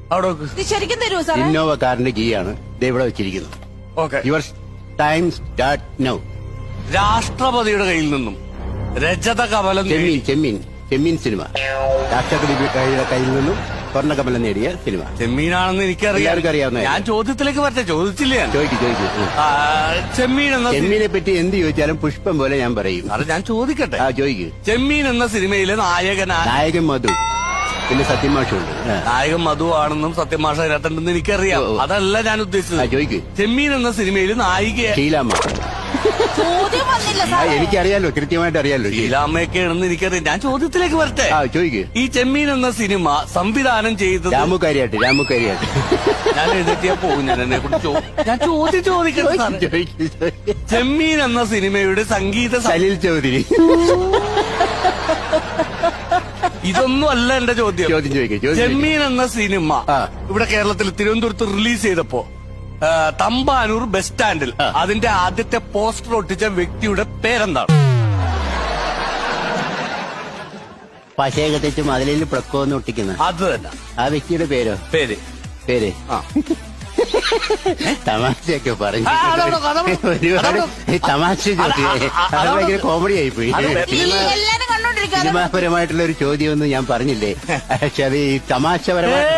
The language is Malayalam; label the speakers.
Speaker 1: അവിടെ
Speaker 2: ഇത് ശരിക്കും തരുമോ സാറേ?
Speaker 3: ഇന്നോവ കാറിന്റെ കീ ആണ് ഇവിടെ വെച്ചിരിക്കുന്നത്.
Speaker 1: Okay.
Speaker 3: Your time start now.
Speaker 1: രാഷ്ട്രപതിയുടെ കയ്യിൽ നിന്നും രജത കമലം
Speaker 3: ചെമ്മീൻ സിനിമ. രാഷ്ട്രപതിയുടെ കയ്യിൽ നിന്നും സ്വർണ്ണകമലം നേടിയ സിനിമ.
Speaker 1: ചെമ്മീനാണെന്ന് എനിക്കറിയാം.
Speaker 3: എല്ലാവർക്കും അറിയാവുന്ന.
Speaker 1: ഞാൻ ചോദ്യത്തിലേക്ക് വരട്ടെ, ചോദിച്ചില്ല ഞാൻ.
Speaker 3: ചോദിക്കും.
Speaker 1: ചെമ്മീൻ എന്ന
Speaker 3: ചെമ്മീനെ പറ്റി എന്ത് ചോദിച്ചാലും പുഷ്പം പോലെ ഞാൻ പറയും.
Speaker 1: അത് ഞാൻ ചോദിക്കട്ടെ.
Speaker 3: ചോദിക്കൂ.
Speaker 1: ചെമ്മീൻ എന്ന സിനിമയിലെ
Speaker 3: നായകൻ മധു, പിന്നെ സത്യമാഷുണ്ട്.
Speaker 1: നായകൻ മധു ആണെന്നും സത്യമാഷ അതിനകത്തുണ്ടെന്ന് എനിക്കറിയാം. അതല്ല ഞാൻ ഉദ്ദേശിച്ചത്.
Speaker 3: ചോദിക്കൂ.
Speaker 1: ചെമ്മീൻ എന്ന സിനിമയിൽ നായിക
Speaker 3: ഷീലാമ്മ.
Speaker 2: ചോദ്യം വന്നില്ല സാറേ.
Speaker 3: എനിക്കറിയാലോ, കൃത്യമായിട്ട് അറിയാലോ.
Speaker 1: ഷീലാമ്മയൊക്കെയാണെന്ന് എനിക്കറിയാം. ഞാൻ ചോദ്യത്തിലേക്ക് വരട്ടെ.
Speaker 3: ചോദിക്കൂ.
Speaker 1: ഈ ചെമ്മീൻ എന്ന സിനിമ സംവിധാനം ചെയ്തത്
Speaker 3: രാമു കാര്യാട്ട്.
Speaker 1: ഞാൻ എഴുതിയാ പോകും. ഞാൻ എന്നെ കുറിച്ച് ഞാൻ ചോദിക്കട്ടെ. ചെമ്മീൻ എന്ന സിനിമയുടെ സംഗീത
Speaker 3: സലിൽ ചൗധരി.
Speaker 1: ഇതൊന്നും അല്ല എന്റെ ചോദ്യം. ചെമ്മീൻ എന്ന സിനിമ ഇവിടെ കേരളത്തിൽ തിരുവനന്തപുരത്ത് റിലീസ് ചെയ്തപ്പോ തമ്പാനൂർ ബസ് സ്റ്റാൻഡിൽ അതിന്റെ ആദ്യത്തെ പോസ്റ്റർ ഒട്ടിച്ച വ്യക്തിയുടെ പേരെന്താണ്?
Speaker 3: പശയൊക്കെ തെച്ച് മതിലിൽ പ്രക്കോന്ന് ഒട്ടിക്കുന്ന
Speaker 1: അത് തന്നെ.
Speaker 3: ആ വ്യക്തിയുടെ പേര് തമാശയൊക്കെ പറഞ്ഞു. ഒരുപാട് തമാശ ഭയങ്കര കോമഡി ആയിപ്പോയി.
Speaker 2: എല്ലാരും കണ്ടോണ്ടിരിക്കാതെ
Speaker 3: സിനിമാപരമായിട്ടുള്ള ഒരു ചോദ്യമൊന്നും ഞാൻ പറഞ്ഞില്ലേ, പക്ഷെ അത് ഈ തമാശപരമായി